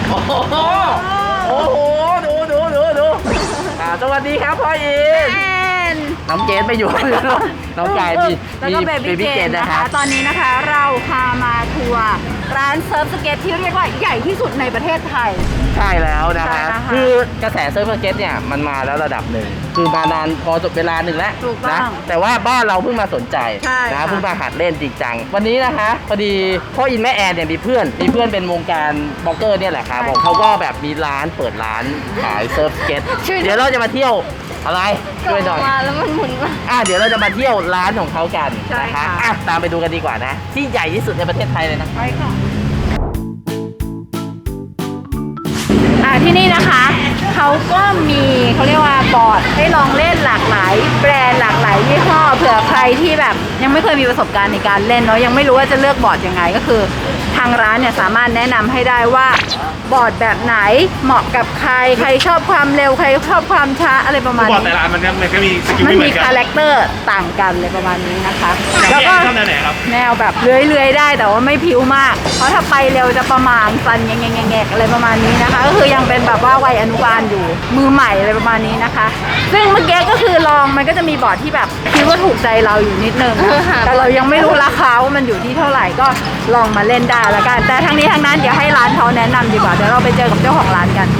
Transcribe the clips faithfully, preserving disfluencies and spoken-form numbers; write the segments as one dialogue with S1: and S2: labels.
S1: โอ้โหโอ้โหดูดูดูดูอ่าสวัสดีครับพ่ออินน้องเกดไปอยู่น้องกายมีมีเบบี้เกดนะคะ
S2: ตอนนี้นะคะเราพามาทัวร์ร้านเซิร์ฟสเก็ตที่เรียกว่าใหญ่ที่สุดในประเทศไทย
S1: ใช่แล้วนะคะคือกระแสเซิร์ฟสเก็ตเนี่ยมันมาแล้วระดับหนึ่งคือมานานพอจบเวลาหนึ่งแล้วนะแต่ว่าบ้านเราเพิ่งมาสนใจนะเพิ่งมาหัดเล่นจริงจังวันนี้นะคะพอดีพ่ออินแม่แอนเนี่ยมีเพื่อนมีเพื่อนเป็นวงการบล็อกเกอร์เนี่ยแหละครับบอกเขาก็แบบมีร้านเปิดร้านขายเซิร์ฟสเก็ตเดี๋ยวเราจะมาเที่ยวอะไรช่วยหน่อย
S2: แล้วมันหมุนมา
S1: อ่ะเดี๋ยวเราจะมาเที่ยวร้านของเขากันนะคะอ่ะตามไปดูกันดีกว่านะที่ใหญ่ที่สุดในประเทศไทยเลยนะ
S2: ไปค่ะอ่ะที่นี่นะคะเขาก็มีเขาเรียกว่าบอร์ดให้ลองเล่นหลากหลายแบรนด์หลากหลายยี่ห้อเผื่อใครที่แบบยังไม่เคยมีประสบการณ์ในการเล่นเนาะยังไม่รู้ว่าจะเลือกบอร์ดยังไงก็คือทางร้านเนี่ยสามารถแนะนำให้ได้ว่าบอร์ดแบบไหนเหมาะกับใครใครชอบความเร็วใครชอบความช้าอะไรประมาณนี้
S3: บอร์ดแต่ละมันมันก็มีสกิล
S2: มันมี
S3: ไม่เหมือนกัน
S2: คาแรคเตอร์ต่างกันเลยประมาณนี้นะคะ
S3: แล้วก็ชอบแนวไหนครับ
S2: แนวแบบเลื้อยๆได้แต่ว่าไม่พิ้วมากเพราะถ้าไปเร็วจะประมาณฟันแงกๆอะไรประมาณนี้นะคะก็คือยังเป็นแบบว่าวัยอนุบาลอยู่มือใหม่อะไรประมาณนี้นะคะซึ่งเมื่อกี้ก็คือลองมันก็จะมีบอร์ดที่แบบคิดว่าถูกใจเราอยู่นิดนึงแต่เรายังไม่รู้ราคาว่ามันอยู่ที่เท่าไหร่ก็ลองมาเล่นได้แล้วกันแต่ทั้งนี้ทั้งนั้นเดี๋ยวให้ร้านเขาแนะนำดีกว่าเดี๋ยวเราไปเจอกับเจ้าของร้านกัน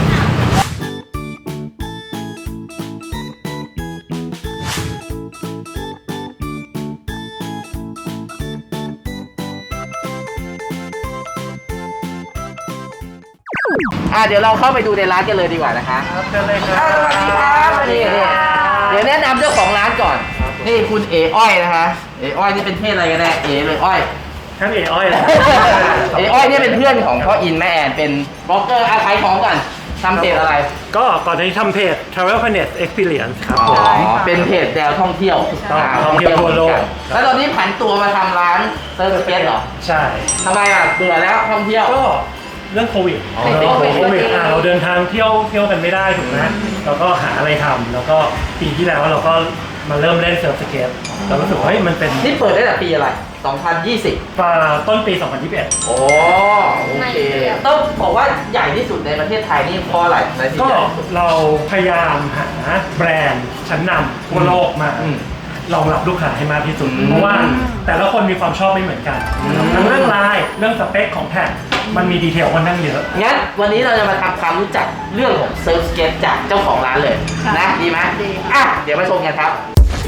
S1: อ่ะเดี๋ยวเราเข้าไปดูในร้านกันเลยดีกว่านะคะ
S3: ครับเชิญเลยครับ
S1: สวัสดีครับนี่นี่เดี๋ยวแนะนำเจ้าของร้านก่อนนี่คุณเออ้อยนะคะเออ้อยนี่เป็นเพศอะไรกันแน่เอเลยอ้อย
S3: ท่านเอ๋อ้อยเลย
S1: เออ้อยนี่เป็นเพื่อนของพ่ออินแม่แอนเป็นบล็อกเกอร์อาขายของก่อนทำเพจอะไร
S3: ก็ก่อนที่ทำเพจ Travel Planet Experience ครับ
S1: อ๋อเป็นเพจแนวท่องเที่ยว
S3: ท่องเที่ยวทั่วโลก
S1: แล้วตอนนี้ผันตัวมาทำร้านเซิร์ฟสเก็ตเหรอ
S3: ใช่
S1: ทำไมอ่ะเบื่อแล้วท่องเที่ยว
S3: ก็เรื่องโควิดติดโควิดอ่าเราเดินทางเที่ยวเที่ยวกันไม่ได้ถูกไหมเราก็หาอะไรทำแล้วก็ปีที่แล้วเราก็มาเริ่มเล่นเซิร์ฟสเก็ตเรารู้สึกว่าเฮ้ยมันเป็น
S1: นี่เปิดได้แต่ปีอะไรสองพันยี่สิบ
S3: ต้นปีสองพันยี่สิบเอ็ด
S1: โอ้โอเคต้องบอกว่าใหญ่ที่สุดในประเทศไทยนี่เพราะอะไรในที่
S3: ก็เราพยายามหาแบรนด์ชั้นนำทั่วโลกมารองรับลูกค้าให้มากที่สุดเพราะว่าแต่ละคนมีความชอบไม่เหมือนกันทั้งเรื่องลายเรื่องสเปคของแผ่นมันมีดีเทลค่อนข้างเยอะ
S1: งั้นวันนี้เราจะมาทำความรู้จักเรื่องของเซิร์ฟสเก็ตจากเจ้าของร้านเลยนะดีไหมอ่ะเดี๋ยวมาชมกันครับ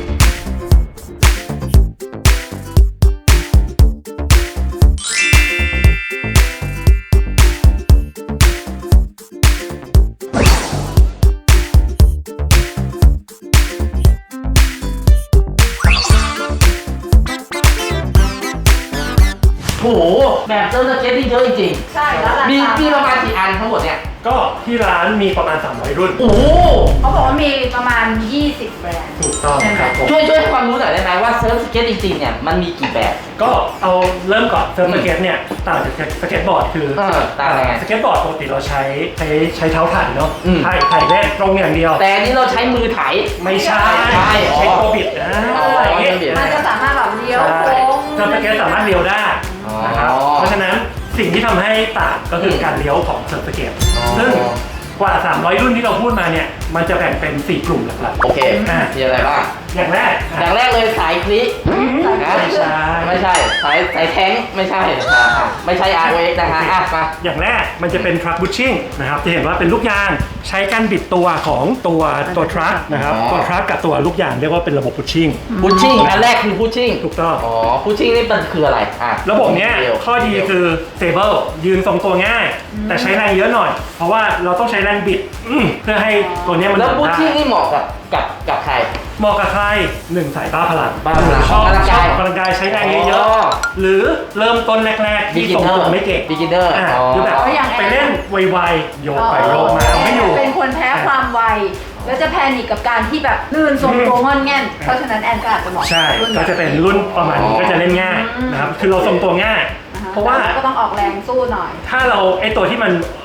S1: โอ้โหแบบเซิร์ฟสเก็ตที่เยอะจริง
S2: ๆใช่แล้ว
S1: มีมีประมาณกี่อันทั้งหมดเนี่ย
S3: ก็ที่ร้านมีประมาณสามร้อยรุ่น
S1: โอ้
S2: เขาบอกว่ามีประมาณยี่สิบแบรนด์
S3: ถูกต้องครับ
S1: ช่วยช่วยความรู้หน่อยได้ไหมว่าเซิร์ฟสเก็ตจริงๆเนี่ยมันมีกี่แบบ
S3: ก็เอาเริ่มก่อนเซิร์ฟสเก็ตเนี่ยต่างจากสเก็ตบอร์ดคือ
S1: ต่างยังไง
S3: สเก็ตบอร์ดปกติเราใช้ใช้ใช้เท้าถ่ายเนาะถ่ายถ่ายเล่นตรงอย่างเดียว
S1: แต่นี่เราใช้มือถ่าย
S3: ไม่ใช่ใช้ตัวบิดนะ
S2: มันจะสามารถแบบเลี้ยวโค้ง
S3: เซิร์ฟสเก็ตสามารถเลี้ยวได้นะครับเพราะฉะนั้นสิ่งที่ทำให้ต่างก็คือการเลี้ยวของเซิร์ฟสเก็ตซึ่งกว่าสามร้อยรุ่นที่เราพูดมาเนี่ยมันจะแบ่งเป็นสี่กลุ่มหลัก
S1: ๆโอเคมีอะไรบ้าง
S3: อย่างแรก
S1: อย่างแรกเลยสายคลิ
S3: ไม่ใช่
S1: ไม่ใช่สายสายแท้งไม่ใช่ไม่ใช่ อาร์ โอ เอ็กซ์ นะคะอ่ะมา
S3: อย่างแรกมันจะเป็นทรัคบูชชิ่งนะครับจะเห็นว่าเป็นลูกยางใช้การบิดตัวของตัวตัวทรัคนะครับตัวทรัคกับตัวลูกยางเรียกว่าเป็นระบบบูชชิ่ง
S1: บูชชิ่งอันแรกคือบูชชิ่ง
S3: ถูกต้อง
S1: อ๋อบูชชิ่งนี่มันคืออะไรอ่ะ
S3: ระบบเนี้ยข้อดีคือสเตเบิลยืนทรงตัวง่ายแต่ใช้แรงเยอะหน่อยเพราะว่าเราต้องใช้แรงบิดเพื่อให้ตัวนี้มัน
S1: แล้วบูชชิ่งนี่เหมาะกับกับกับใคร
S3: เหมาะกับใครหนึ่งสายบ้าพลัง
S1: บ้าพลัง
S3: ชอบชอบพลังกายใช้แรงเยอะๆหรือเริ่มต้นแรกๆที่ทรงตัวไม่เก่ง
S1: beginner
S3: คือแบบไปเล่นไวๆโยกไปโยกมาไม่อยู่
S2: เป็นคนแพ้ความไวแล้วจะแพนิคกับการที่แบบลื่นทรงตัวงอนแง่นเพราะฉะนั้นแอนก็อาจจะเหมาะ
S3: ใช่ก็จะเป็นรุ่นประมาณนี้ก็จะเล่นง่ายนะครับคือเราทรงตัวง่ายเพราะว่า
S2: ก็ต้องออกแรงสู้หน่อย
S3: ถ้าเราไอตัวที่มัน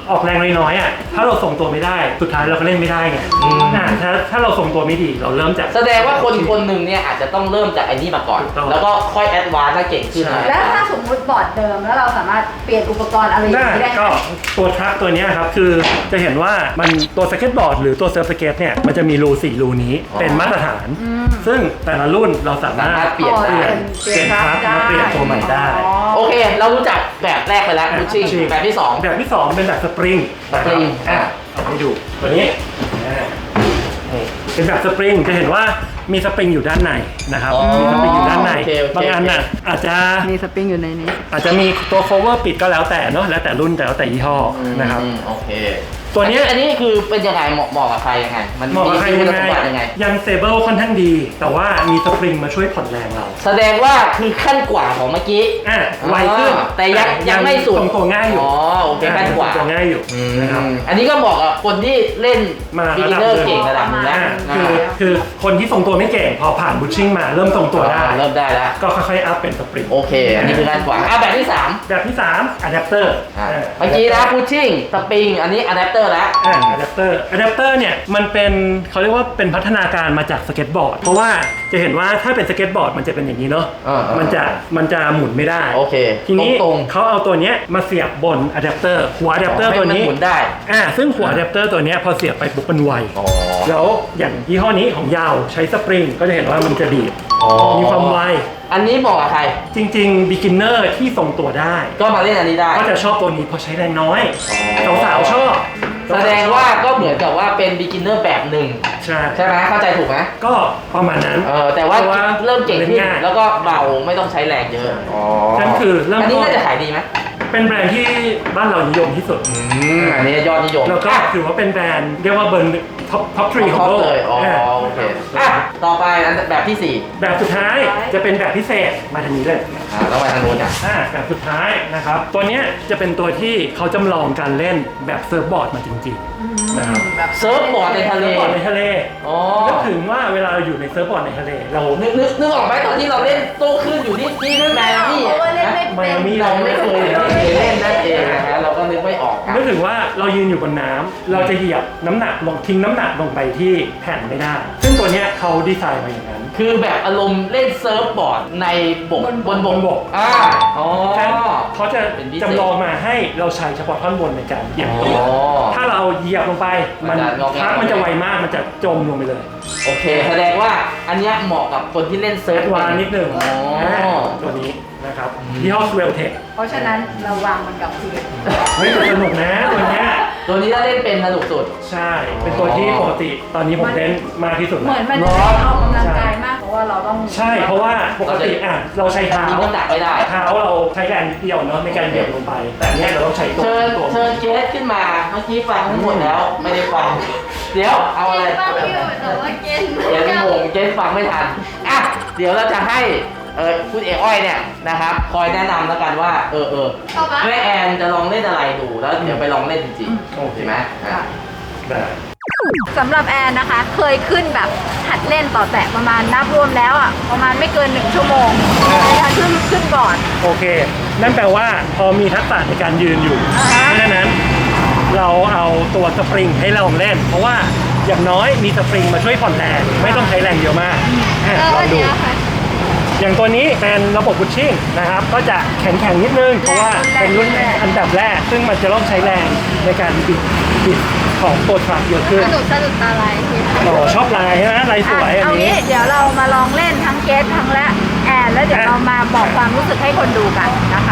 S3: ออกแรงน้อยๆอ่ะถ้าเราส่งตัวไม่ได้สุดท้ายเราก็เล่นไม่ได้ไงอ่าถ้าถ้าเราส่งตัวไม่ดีเราเริ่มจาก
S1: แสดงว่าคนคนหนึ่งเนี่ยอาจจะต้องเริ่มจากไอ้นี่มาก่อน
S3: ถูกต้อง
S1: แล้วก็ค่อยแอดวานซ์ถ้าเก่งขึ้นนะ
S2: แล้วถ้าสมมุติบอร์ดเดิมแล้วเราสามารถเปลี่ยนอุปกรณ์อะไรอย่าง
S3: ได้
S2: นี้ได้ไหม
S3: ก็ตัวทรัคตัวเนี้ยครับคือจะเห็นว่ามันตัวสเก็ตบอร์ดหรือตัวเซิร์ฟสเก็ตเนี่ยมันจะมีรูสี่รูนี้เป็นมาตรฐาน ซึ่งแต่ละรุ่นเราสามารถ
S1: สามารถเปลี่ยนได้
S3: เปลี่ยนทรัคมาเปลี่ยนตัวใหม่ได้
S1: โอเค เรารู้จักแบบแรกไปแล้วบูชิ่งแบบที่สอง
S3: แบบที่สองเป็นแบบสปริง
S1: สปริง
S3: อ่ะเอาให้ดูตัวนี้อ่านี่เป็นแบบสปริงจะเห็นว่ามีสปริงอยู่ด้านในนะครับ
S1: อ๋อ
S3: มีสปริงอยู่ด้านใน
S1: โอเคโอเค
S3: บางอันน่ะอาจจะ
S2: มีสปริงอยู่ในนี้
S3: อาจจะมีตัว cover ปิดก็แล้วแต่เนาะแล้วแต่รุ่นแต่แล้วแต่ยี่ห้อนะครับ
S1: อืมโอเค
S3: ตัวเนี้ย
S1: อันนี้คือเป็นยังไงเหมาะเหมาะกับใครยังไง มัน
S3: เหมาะกับใคร
S1: มี
S3: ยั
S1: คุณ
S3: ง
S1: ส
S3: ไง
S1: มบัติยังไง
S3: ยังเซเบิลค่อนข้างดี แต่ว่ามีสปริงมาช่วยผ่อนแรงเรา
S1: แสดงว่าคือขั้นกว่าของเมื่อกี้
S3: อ่ะไวขึ้น
S1: อ๋อแต่ยังยังไม่สุด
S3: ทรงตัวง่ายอยู่
S1: อ๋อโอเคขั้นกว่า
S3: ทรงตัวง่ายอยู่นะครับ
S1: อันนี้ก็เหมาะกับคนที่เล่น
S3: มา
S1: บิ
S3: ระ
S1: กิ
S3: ดับ
S1: เนอร์
S3: หนึ่ง
S1: เก่งระดับหนึงแล้ว
S3: อ่ะ
S1: อ่า
S3: คือคือคนที่ทรงตัวไม่เก่งพอผ่านบูชชิ่งมาเริ่มทรงตัวได้
S1: อ่าเริ่มได้แล้ว
S3: ก็ค่อยๆอัพเป็นสปริง
S1: โอเค อันนี้คือขั้นกว่าอ่ะแบบที่สาม
S3: แบบที่สามอะแดปเตอร์
S1: อ่ะเมื่อกี้นะพุชชิ่งสปริงอันนี้อะแดปเตอร์แล้ว
S3: อ่าอะแดปเตอร์อะแดปเตอร์เนี่ยมันเป็นเขาเรียกว่าเป็นพัฒนาการมาจากสเก็ตบอร์ดเพราะว่าจะเห็นว่าถ้าเป็นสเก็ตบอร์ดมันจะเป็นอย่างนี้เนาะ
S1: อ่าๆ
S3: มันจะมันจะหมุนไม่ได้
S1: โอเค
S3: ทีนี้
S1: ตรงๆ
S3: เขาเอาตัวเนี้ยมาเสียบบนอะแดปเตอร์หัวอะแดปเตอร์
S1: ให้
S3: ตัว
S1: มัน
S3: นี้
S1: หมุนได้
S3: อ่าซึ่งหัวอะแดปเตอร์ตัวเนี้ยพอเสียบไปปุ๊บมันไว
S1: อ๋อ
S3: แล้วอย่างยี่ห้อนี้ของยาวใช้สปริงก็จะเห็นว่ามันจะดีด
S1: อ๋อ
S3: มีความไว
S1: อันนี้เหมาะกับใคร
S3: จริงๆ beginner ที่ทรงตัวได้
S1: ก็มาเล่นอันนี้ได้
S3: ก็จะชอบตัวนี้เพราะใช้แรงน้อย
S1: อ๋อ
S3: สาวๆชอบ
S1: แสดงว่าก็เหมือนกับว่าเป็น beginner แบบหนึ่ง
S3: ใช่
S1: ใช่ไหมเข้าใจถูกไหม
S3: ก็ประมาณนั้น
S1: เออแต่ว่า
S3: เพราะว่า
S1: เริ่มเก่งขึ้น
S3: เล่นง่าย
S1: แล้วก็เบาไม่ต้องใช้แรงเยอะอ๋อ
S3: นั่นคือเริ่ม
S1: อันนี้
S3: ต้น
S1: น่าจะขายดีไหม
S3: เป็นแบรนด์ที่บ้านเรานิยมที่สุด
S1: อืมอันนี้ยอดนิยม
S3: แล้วก็
S1: อ่ะ
S3: ถือว่าเป็นแบรนด์เรียกว่าเบอร์ท็อปท็อปทรีของ
S1: ท็อป
S3: โลก
S1: เลยอ๋อ
S3: อ่า
S1: โอเคอ่ะต่อไปอันแบบที่สี่
S3: แบบสุดท้ายจะเป็นแบบพิเศษมาทางนี้เลย
S1: อ่าต้องไปทางโน้นอ่ะ
S3: อ่าแบบสุดท้ายนะครับ ตัวเนี้ยจะเป็นตัวที่เขาจำลองการเล่นแบบเซิร์ฟบอร์ดมาจริงๆนะครับ
S1: เซิร์ฟบอร์ดในทะเล
S3: เซิร์ฟบอร์ดในทะเล
S1: อ๋อ
S3: นึกถึงว่าเวลาเราอยู่ในเซิร์ฟบอร์ดในทะเล เรา
S1: นึกนึกนึกออกไหมตอนที่เราเล่นโต้คลื่นอยู่ที่ที่แมนนี่
S2: เพราะว่าเล่นไม่
S3: ไมอามี่
S1: เราไม่เคยไม่เคยเล่นนั่นเองนะฮะเราก็นึกไม่ออกกัน
S3: นึกถึงว่าเรายืนอยู่บนน้ำเราจะเหยียบน้ำหนักลงทิ้งน้ำหนักลงไปที่แผ่นไม่ได้ ซึ่งตัวเนี้ยเขาดีไซน์มาอย่างนั้น
S1: คือแบบอารมณ์เล่นเซิร์ฟบอร์ดในบกบนบก
S3: บก
S1: อ่าอ๋อ
S3: ฉะนั้นเขาจะ
S1: เป็นพิเศษ
S3: จำลองมาให้เราใช้เฉพาะท่อนบนในการเหยียบตัว
S1: อ๋อ
S3: ถ้าเราเหยียบลงไป
S1: มั
S3: มัน น
S1: จะงอแง
S3: พักมันจะไวมากมันจะจมลงไปเลย
S1: โอเค แสดงว่าอันเนี้ยเหมาะกับคนที่เล่นเซิ
S3: แอ
S1: ร์ฟ
S3: ดวานซ์นิดหนึ่ง
S1: อ๋อ
S3: ตัวนี้นะครับยี่ห้อ Swell Tech
S2: เพราะฉะนั้นเราวางมันกับพื้น
S3: เฮ้ยแต่สนุกนะตัวเนี้ย
S1: ตัวนี้ถ้าเล่นเป็นสนุกสุด
S3: ใช่ เป็นตัวที่ปกติตอนนี้ผมเล่นมากที่สุด
S2: เหมือน
S3: แล้ว
S2: มันจะได้ออกกำลังกายมากเพราะว่าเราต้อง
S3: ใช่ เพราะว่าปกติอ่ะเราใช้เท้า
S1: ยิงน้ำหนักไม่ได้
S3: เท้าเราใช้แรงนิดเดียวเนาะในการเหยียบลงไป แต่เนี้ยเราต้องใช้ตัว
S1: เชิญ
S3: ตัว
S1: เชิญเกสขึ้นมา เมื่อกี้ฟังทั้งหมดแล้ว ไม่ได้ฟัง เดี๋ยวเอาอะไร
S4: ฟังอยู่แต่ว่าเกณฑ์
S1: เกสงงเกสฟังไม่ทัน อ่ะ เดี๋ยวเราจะให้เออคุณเอกอ้อยเนี่ยนะครับ คอยแนะนำแล้วกันว่า เออเออ
S4: ต่อมา
S1: แม่แอนจะลองเล่นอะไรดูแล้วเดี๋ยวไปลองเล่นจริงๆ
S3: โอเค
S1: ใช่ไหมอ่ะ
S3: ได้
S2: สำหรับแอนนะคะ เคยขึ้นแบบหัดเล่นต่อแตะประมาณนับรวมแล้วอ่ะประมาณไม่เกินหนึ่งชั่วโมงในการขึ้นขึ้นบอร์ด
S3: โอเค นั่นแปลว่าพอมีทักษะในการยืนอยู่
S2: อ่าฮะ
S3: เพราะฉะนั้นเราเอาตัวสปริงให้เราเล่น เพราะว่าอย่างน้อยมีสปริงมาช่วยผ่อนแรงไม่ต้องใช้แรงเยอะมากอ่ะ
S4: เออ
S3: ลอง
S4: อัน
S3: ดู
S4: เนี้ยค่ะ
S3: อย่างตัวนี้เป็นระบบพุชชิ่งนะครับ ก็จะแข็งแข็งๆนิดนึง เพราะว่าเป็นรุ่นอันดับแรก ซึ่งมันจะต้องใช้แรงในการบิดบิดของตัวทรัคเยอะขึ้น
S4: สนุกสนุกตาลายที
S3: โอ้ชอบลายใช่ไหมลายสวย
S2: อ่ะ
S3: อัน
S2: เอา
S3: นี้
S2: งี้เดี๋ยวเรามาลองเล่นทั้งเกสทั้งและแอนแล้วเดี๋ยวเรามาบอกความรู้สึกให้คนดูกันนะคะ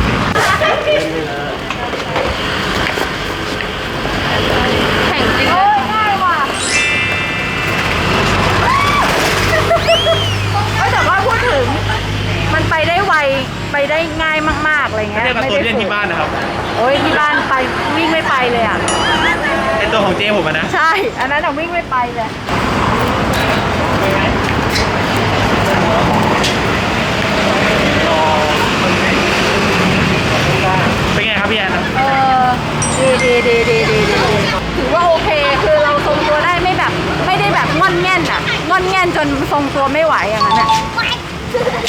S4: แข่งจริง
S2: โอ้ยง่ายว่ะเอ้ยแต่ว่าพูดถึงมันไปได้ไวไปได้ง่ายมากๆอะไรเงี้ย
S5: เทียบกับตัวเล่นที่บ้านนะครับ
S2: โอ้ยที่บ้านไปวิ่งไม่ไปเลยอ่ะ
S5: ไอตัวของเจผมอะนะ
S2: ใช่ อันนั้นอะวิ่งไม่ไปเลย
S5: เป็นไงครับพี่แอน
S2: เออดีดีดีดีดีดีถือว่าโอเค คือเราทรงตัวได้ไม่แบบ ไม่ได้แบบงอนแง่นอะงอนแง่นจนทรงตัวไม่ไหวอย่างนั้นอะ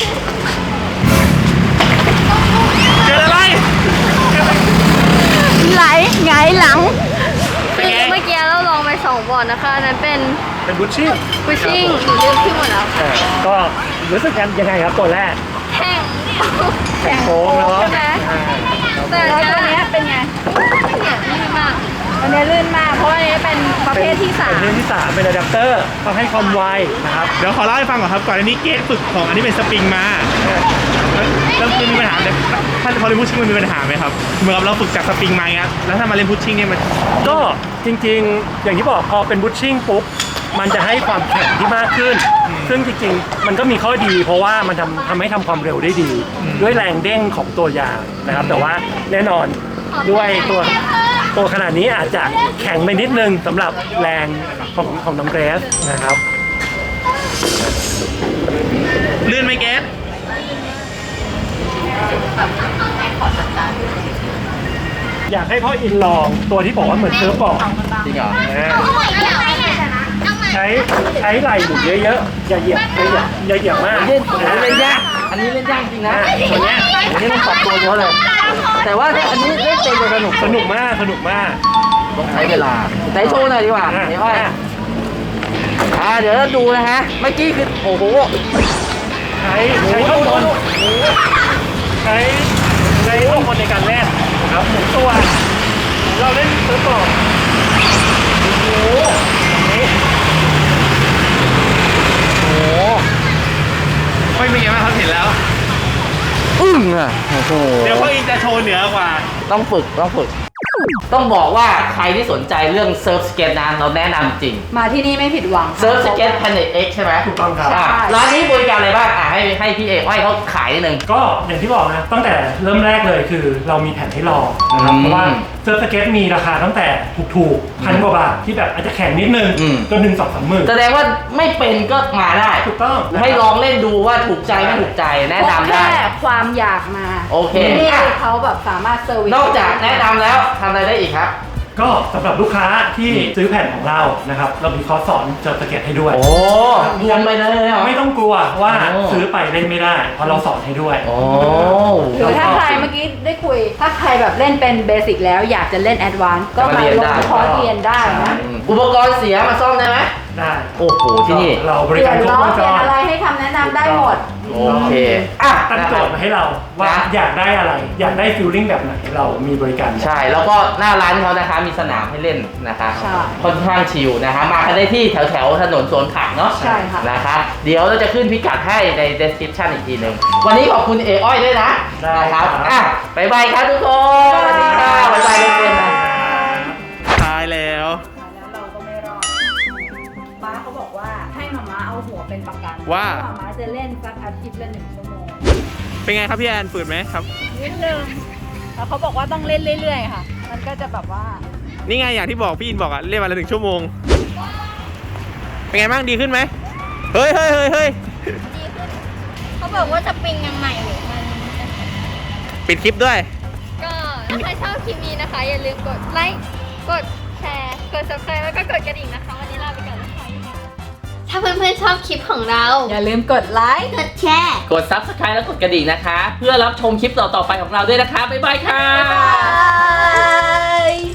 S5: เจออะไร
S2: รไหลหงายหลัง
S5: เป็น
S4: คือ
S5: ไง
S4: เมื่อกี้เราลองไปสองบอร์ดนะคะอันนั้นเป็น
S3: เป็นบุชชิ่ง
S4: พุชชิ่งหนูลืมที่หมดแล้ว
S3: เออก็รู้สึกกันยังไงครับตัวแรก
S4: แข่ง
S3: แข่งโค้งเนาะ
S4: ใช่ไหม แต่
S2: แล้ว
S4: อัน
S2: ตัว
S4: เนี้
S2: เนี้
S4: ย
S2: ยเป็นไง
S4: เนี่ยนี่มาก
S2: ตัวเนี้ยลื่นมากเพราะว่าอันนี้เป็นประเภทที่สาม
S3: เป็นประเภทที่สามเป็นอะแดปเตอร์ทำให้ความไวนะครับ
S5: เดี๋ยวขอเล่าให้ฟังก่อนครับ ก่อนอันนี้เกสฝึกของอันนี้เป็นสปริงมาแล้วมันมีปัญหาเนี่ยถ้าพอเล่นพุชชิ่งมันมีปัญหาไหมครับ เหมือนกับเราฝึกจากสปริงมาอย่างเงี้ยแล้วถ้ามาเล่นพุชชิ่งเนี่ยมัน
S3: ก็จริงๆ อย่างที่บอกพอเป็นบุชชิ่งปุ๊บมันจะให้ความแข็งที่มากขึ้น ซึ่งจริงๆ มันก็มีข้อดีเพราะว่ามันทำทำให้ทำความเร็วได้ดี ด้วยแรงเด้งของตัวยางนะครับ แต่ว่าแน่นอนด้วยตัวตัวขนาดนี้อาจจะแข็งไปนิดนึงสำหรับแรงของของน้ำเกรสนะครับ
S5: ลื่นไหมเกส
S3: อยากให้พ่ออินลองตัวที่บอกว่าเหมือนเซิร์ฟบอร์ด
S1: จริงเหรอ
S3: ใช้ใช้ไหล่หมุนเยอะๆ อย่าเหยียบอย่าเหยียบอย่าเหยียบมาก
S1: เล่นอันนี้เล่นยากอันนี้เล่นยากจริงนะ
S3: ตัวเนี้ย
S1: อันนี้ต้องปรับตัวเยอะเลย แต่ว่าถ้าอันนี้เล่นเป็นจะสนุก
S3: สนุกมากสนุกมาก
S1: ต้องใช้เวลาไหนโชว์หน่อยดีกว่า
S3: อ่ะ
S1: เดี๋ยวอ้อยอ่าเดี๋ยวเราดูนะฮะ เมื่อกี้คือโอ้โห
S3: ใช้ใช้ข้างบนใช้ใช้ข้างบนในการเล่นนะครับหมุนตัว เราเล่นเซิร์ฟบอร์ดโอ้โหอย่างนี้
S1: โอ้โห
S5: ไม่เป็นไงบ้างครับเห็นแล้ว
S1: อึ้งอ่ะโอ้โห
S5: เดี๋ยวพ่ออินจะโชว์เหนือกว่า
S1: ต้องฝึกต้องฝึก ต้องบอกว่าใครที่สนใจเรื่องเซิร์ฟสเก็ตนะเราแนะนำจริง
S2: มาที่นี่ไม่ผิดหวังค่ะ
S1: เซิร์ฟสเก็ต Planet X ใช่ไหม
S3: ถูกต้องครับ
S1: อ่ะร้านนี้บริการอะไรบ้างอ่ะให้ให้พี่เอกอ้อยเขาขายนิดนึง
S3: ก็อย่างที่บอกนะตั้งแต่เริ่มแรกเลยคือเรามีแผ่นให้ลองนะครับ
S1: อืม
S3: เพราะว่าเซิร์ฟสเก็ตมีราคาตั้งแต่ถูกๆพันกว่าบาทที่แบบอาจจะแข็งนิดนึง
S1: อืม
S3: จนถึงสองสามหมื่น
S1: แสดงว่าไม่เป็นก็มาได้
S3: ถูกต้อง
S1: ให้ลองเล่นดูว่าถูกใจไม่ถูกใจแนะนำได้
S2: แค่ความอยากมา
S1: โอเค
S2: ที่นี่เขาแบบสามารถเซอร์วิส
S1: นอกจากแนะนำแล้วทำอะไรได้อีกครับ
S3: ก็สำหรับลูกค้าที่ซื้อแผ่นของเรานะครับเรามีคอร์สสอนเซิร์ฟสเก็ตให้ด้วย
S1: โอ้รวมไปเลยเหรอ
S3: ไม่ต้องกลัวว่า
S1: โอ้
S3: ซื้อไปเล่นไม่ได้เพราะเราสอนให้ด้วย
S1: โอ้
S2: หรือถ้าใครเมื่อกี้ได้คุย ถ้าใครแบบเล่นเป็นเบสิกแล้วอยากจะเล่นแอดวานซ์ก็มาลงคอร์สเรียนได้นะ
S1: อืมอุปกรณ์เสียมาซ่อมได้ไหม
S3: ได้
S1: โอ้โหที่นี่
S3: เราบ
S2: เป
S3: ริ
S2: ลี่ย
S3: การ
S2: น
S3: ครบ
S2: ล้อ
S3: วง
S2: เป
S3: จ
S2: ลี่ยน
S3: ร
S2: อะไรให้คำแนะนำได้หมด
S1: โอเคอ่ะ
S3: ตั้งโจทย์มาให้เราว่า
S1: นะ
S3: อยากได้อะไร อยากได้ฟิลลิ่งแบบไหนเรามีบริการ
S1: ใช่แล้วก็หน้าร้านเขานะคะมีสนามให้เล่นนะคะ
S2: ใช่
S1: ค่อนข้างชิลนะคะมากันได้ที่แถวแถวๆถนนสวนผักเนาะ
S2: ใช่ค่ะ
S1: นะคะเดี๋ยวเราจะขึ้นพิกัดให้ใน description อีกทีหนึ่งวันนี้ขอบคุณเออ้อยด้วยนะ
S3: ได้
S1: นะครับ
S3: ครับ
S1: อ่ะบ๊ายบายครับทุกคนสวัสดีค่ะบ๊ายบายเล่นๆนะ
S5: ตายแล้ว
S2: แล้วเราก็ไม่รอดม้าเขาบอกว่าให้มาม้าเอาหัวเป็นประกัน
S5: ว่า
S2: เพระม้าจะเล่นสักอาทิตย์ละหนึ่งชั่วโมง
S5: เป็นไงครับพี่แอนฝืนไหมครับ
S2: นิดนึงแล้วเขาบอกว่าต้องเล่นเรื่อยๆค่ะ มันก็จะแบบว่า
S5: นี่ไงอย่างที่บอกพี่อินบอกอะเล่นวันละหนึ่งชั่วโมง เป็นไงบ้างดีขึ้นไหมเฮ้ยเฮ้ยเฮ้ยเฮ้ย
S4: ดีขึ้นเขาบอกว่าสปริงยังใหม่อยู่มัน
S5: ปิดคลิปด้วย
S4: ก็ถ้าใครชอบคลิปนี้นะคะ อย่าลืมกดไลค์กดแชร์กด subscribe แล้วก็กดกระดิ่งนะคะ วันนี้ลาไปก่อนนะคะถ้าเพื่อนๆชอบคลิปของเรา
S2: อย่าลืมกดไลค์
S4: กดแชร์
S1: กด subscribe แล้วกดกระดิ่งนะคะ เพื่อรับชมคลิปต่อๆไปของเราด้วยนะคะบ๊ายบายค่ะ
S2: บาย